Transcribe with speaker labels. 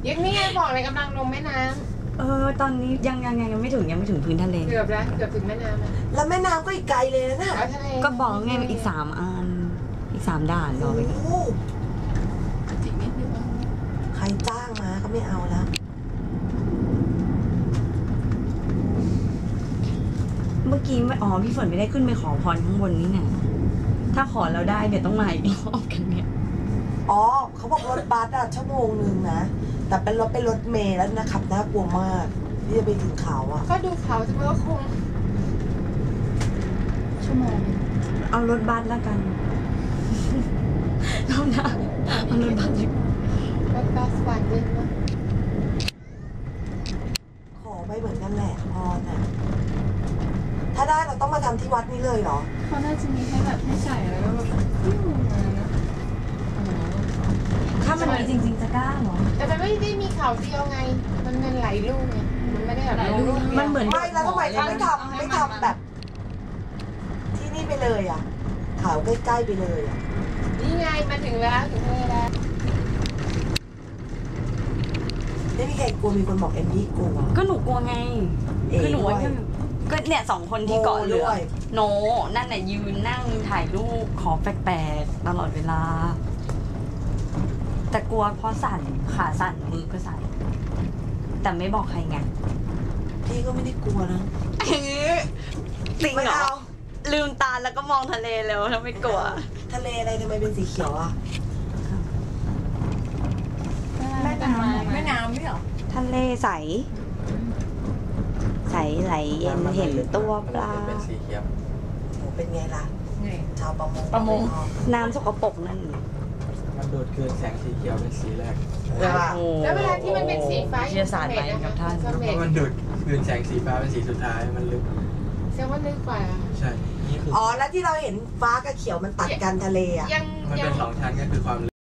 Speaker 1: ยังนี่ไงบอกเลยกำลังลงแม่น้
Speaker 2: ำตอนนี้ยังไม่ถึงพื้นทะเล
Speaker 1: ำเกือบแล้วเกือบถึงแม่น้ำ
Speaker 3: แล้วแม่น้ำก็อีกไกลเลยนะ
Speaker 2: ก็บอกไงอีก3 อันอีก3 ด่านรอไปก่อน
Speaker 1: จิกนิดนึง
Speaker 3: ใครจ้างมาก็ไม่เอาแล้ว
Speaker 2: เมื่อกี้พี่ฝนไม่ได้ขึ้นไปขอพรข้างบนนี่ไงถ้าขอแล้วได้เดี๋ยวต้องมาอีกรอบกันเนี่ย
Speaker 3: เขาบอกรถบัสชั่วโมงนึงนะแต่เป็นรถเมล์แล้วนะขับน่ากลัวมากที่จะไปถึงเขา
Speaker 1: ก็ดูเขาจะว่าคงชั่วโมง
Speaker 2: เอารถบัสแล้วกันเอารถบัส
Speaker 1: วันนึงนะ
Speaker 3: ขอไปเหมือนกันแหละพรน่ะถ้าได้เราต้องมาทำที่วัดนี้เลยเหรอ
Speaker 1: เขาน่าจะมีให้แบบให้ใส่แล้วก็แบบมานะ
Speaker 2: ถ้ามันมีจริงๆจะกล้าเหรอ
Speaker 1: แต่มันไม่ได้มีเขาเดียวไงมันหลายลูกไงมันไม่ได้แบบลูก
Speaker 2: มันเหมือน
Speaker 3: ไม่แล้วทำไมเขาไม่ทำแบบที่นี่ไปเลยเขาใกล้ๆไปเลย
Speaker 1: นี่ไงมาถึงแล้วถึงแล้ว
Speaker 3: ไม่มีใครกลัวมีคนบอกเอ็มดี้กลัว
Speaker 2: ก็หนูกลัวไงคือหนูก็เนี่ย2 คนที่เกาะเรือโนนั่นน่ะยืนนั่งถ่ายรูปขอแปลกๆตลอดเวลาแต่กลัวเพราะสั่นขาสั่นมือก็สั่นแต่ไม่บอกใครไง
Speaker 3: พี่ก็ไม่ได้กลัวนะ
Speaker 2: จริงเหรอลืมตาแล้วก็มองทะเลแล้วถ้าไม่กลัว
Speaker 3: ทะเลอะไรทำไมเป็นสีเขียว
Speaker 1: แม่น้ำไม่หรอ
Speaker 2: ทะเลใสไหลเย็นเห็นตัวปลา
Speaker 4: เป็นสีเขียว
Speaker 3: เป็นไงล่ะชาว
Speaker 1: ประมง
Speaker 2: น้ำสกปรกนั่น
Speaker 4: มันดูดคืนแสงสีเขียวเป็นสีแรก
Speaker 1: แล้วเวลาที่มันเป็นสีฟ้า
Speaker 2: วิทยาศาสตร์ไปกับท่าน
Speaker 4: มันดูดคืนแสงสีฟ้าเป็นสีสุดท้ายมันลึก
Speaker 1: แสดงว่าลึกกว่า
Speaker 4: ใช่
Speaker 3: นี่คือแล้วที่เราเห็นฟ้ากับเขียวมันตัดกันทะเล
Speaker 4: มันเป็น2 ชั้นก็คือความ